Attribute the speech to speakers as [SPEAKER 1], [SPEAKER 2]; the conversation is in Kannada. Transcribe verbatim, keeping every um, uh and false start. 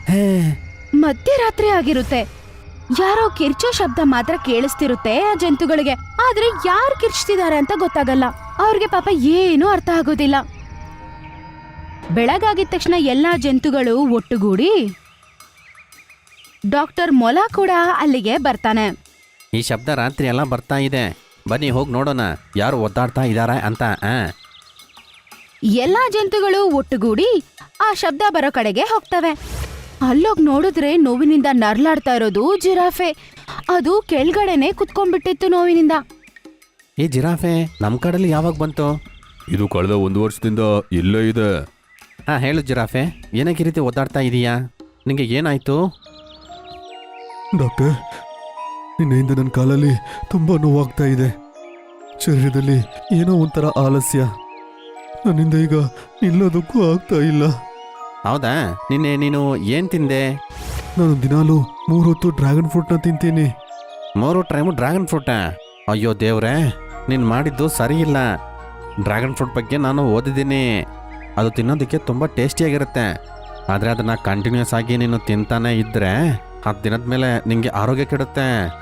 [SPEAKER 1] ಹೇ
[SPEAKER 2] ಮಧ್ಯರಾತ್ರಿ ಆಗಿರುತ್ತೆ. ಯಾರೋ ಕಿರ್ಚೋ ಶಬ್ದ ಮಾತ್ರ ಕೇಳಿಸ್ತಿರುತ್ತೆ ಆ ಜಂತುಗಳಿಗೆ. ಆದ್ರೆ ಯಾರು ಕಿರ್ಚ್ತಿದ್ದಾರೆ ಅಂತ ಗೊತ್ತಾಗಲ್ಲ. ಅವ್ರಿಗೆ ಪಾಪ ಏನೂ ಅರ್ಥ ಆಗೋದಿಲ್ಲ. ಬೆಳಗಾಗಿದ ತಕ್ಷಣ ಎಲ್ಲಾ ಜಂತುಗಳು ಒಟ್ಟುಗೂಡಿ ಡಾಕ್ಟರ್ ಮೊಲ ಕೂಡ ಅಲ್ಲಿಗೆ ಬರ್ತಾನೆ.
[SPEAKER 1] ಈ ಶಬ್ದ ರಾತ್ರಿ ಎಲ್ಲ ಬರ್ತಾ ಇದೆ, ಬನ್ನಿ ಹೋಗಿ ನೋಡೋಣ ಯಾರು ಒದ್ದಾಡ್ತಾ ಇದ್ದಾರೆ ಅಂತ. ಆ
[SPEAKER 2] ಎಲ್ಲಾ ಜಂತುಗಳು ಒಟ್ಟುಗೂಡಿ ಆ ಶಬ್ದ ಬರೋ ಕಡೆಗೆ ಹೋಗ್ತವೆ. ಅಲ್ಲೋಗ್ ನೋಡಿದ್ರೆ ನೋವಿನಿಂದ ನರ್ಲಾಡ್ತಾ ಇರೋದು ಜಿರಾಫೆ. ಅದು ಕೆಳಗಡೆನೆ ಕುತ್ಕೊಂಡ್ಬಿಟ್ಟಿತ್ತು ನೋವಿನಿಂದ.
[SPEAKER 1] ಈ ಜಿರಾಫೆ ನಮ್ಮ ಕಡೆಯಲ್ಲಿ ಯಾವಾಗ ಬಂತು?
[SPEAKER 3] ಇದು ಕಳೆದ ಒಂದು ವರ್ಷದಿಂದ ಇಲ್ಲೇ ಇದೆ.
[SPEAKER 1] ಹಾ ಹೇಳು ಜಿರಾಫೆ, ಏನಕ್ಕೆ ಈ ರೀತಿ ಒದ್ದಾಡ್ತಾ ಇದೀಯಾ? ನಿಂಗೆ ಏನಾಯ್ತು?
[SPEAKER 3] ಡಾಕ್ಟರ್, ನಿನ್ನೆಯಿಂದ ನನ್ನ ಕಾಲಲ್ಲಿ ತುಂಬ ನೋವಾಗ್ತಾ ಇದೆ. ಶರೀರದಲ್ಲಿ ಏನೋ ಒಂಥರ ಆಲಸ್ಯ. ನನ್ನಿಂದ ಈಗ ನಿಲ್ಲೋದಕ್ಕೂ ಆಗ್ತಾ ಇಲ್ಲ.
[SPEAKER 1] ಹೌದಾ, ನಿನ್ನೆ ನೀನು ಏನು ತಿಂದೆ?
[SPEAKER 3] ನಾನು ದಿನಾಲೂ ಮೂರು ಹೊತ್ತು ಡ್ರ್ಯಾಗನ್ ಫ್ರೂಟ್ನ ತಿಂತೀನಿ.
[SPEAKER 1] ಮೂರು ಟೈಮು ಡ್ರ್ಯಾಗನ್ ಫ್ರೂಟಾ? ಅಯ್ಯೋ ದೇವ್ರೆ, ನೀನು ಮಾಡಿದ್ದು ಸರಿ ಇಲ್ಲ. ಡ್ರ್ಯಾಗನ್ ಫ್ರೂಟ್ ಬಗ್ಗೆ ನಾನು ಓದಿದ್ದೀನಿ, ಅದು ತಿನ್ನೋದಕ್ಕೆ ತುಂಬ ಟೇಸ್ಟಿಯಾಗಿರುತ್ತೆ. ಆದರೆ ಅದನ್ನು ಕಂಟಿನ್ಯೂಸ್ ಆಗಿ ನೀನು ತಿಂತಾನೆ ಇದ್ದರೆ ಹತ್ತು ದಿನದ ಮೇಲೆ ನಿಮಗೆ ಆರೋಗ್ಯ ಕೆಡುತ್ತೆ.